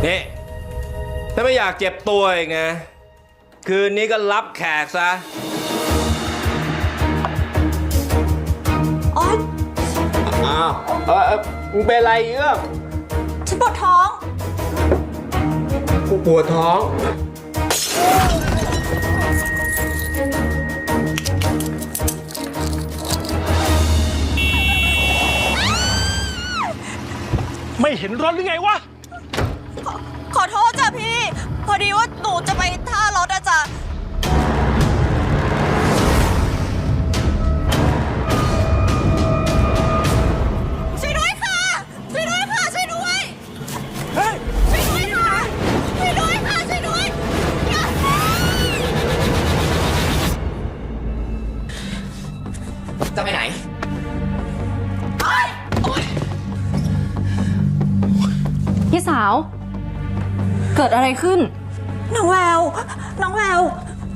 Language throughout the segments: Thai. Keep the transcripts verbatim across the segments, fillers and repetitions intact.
นี่ถ้าไม่อยากเจ็บตัวอีกนะคืนนี้ก็รับแขกซะอ๋ออ้าวเออมึงเป็นอะไรเอื้อมฉันปวดท้องกูปวดท้องไม่เห็นรถหรือไงวะขอขอโทษจ้ะพี่พอดีว่าหนูจะไปท่ารถอะจ้ะช่วยด้วยค่ะช่วยด้วยค่ะช่วยด้วยเฮ้ยช่วยด้วยค่ะช่วยด้วยค่ะช่วยด้วยจะไปไหนพี่สาวเกิดอะไรขึ้นน้องแววน้องแวว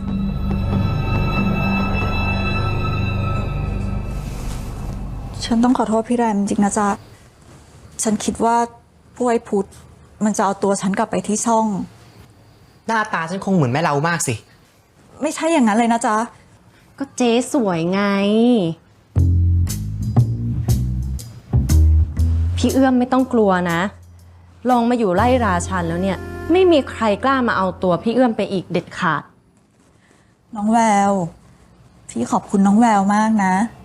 ฉันต้องขอโทษพี่แรมจริงนะจ๊ะฉันคิดว่าพวกไอ้พุทธมันจะเอาตัวฉันกลับไปที่ช่องหน้าตาฉันคงเหมือนแม่เรามากสิไม่ใช่อย่างนั้นเลยนะจ๊ะก็เจ๊สวยไงพี่เอื้อมไม่ต้องกลัวนะลองมาอยู่ไล่ราชันแล้วเนี่ยไม่มีใครกล้ามาเอาตัวพี่เอื้อมไปอีกเด็ดขาดน้องแววพี่ขอบคุณน้องแววมากนะ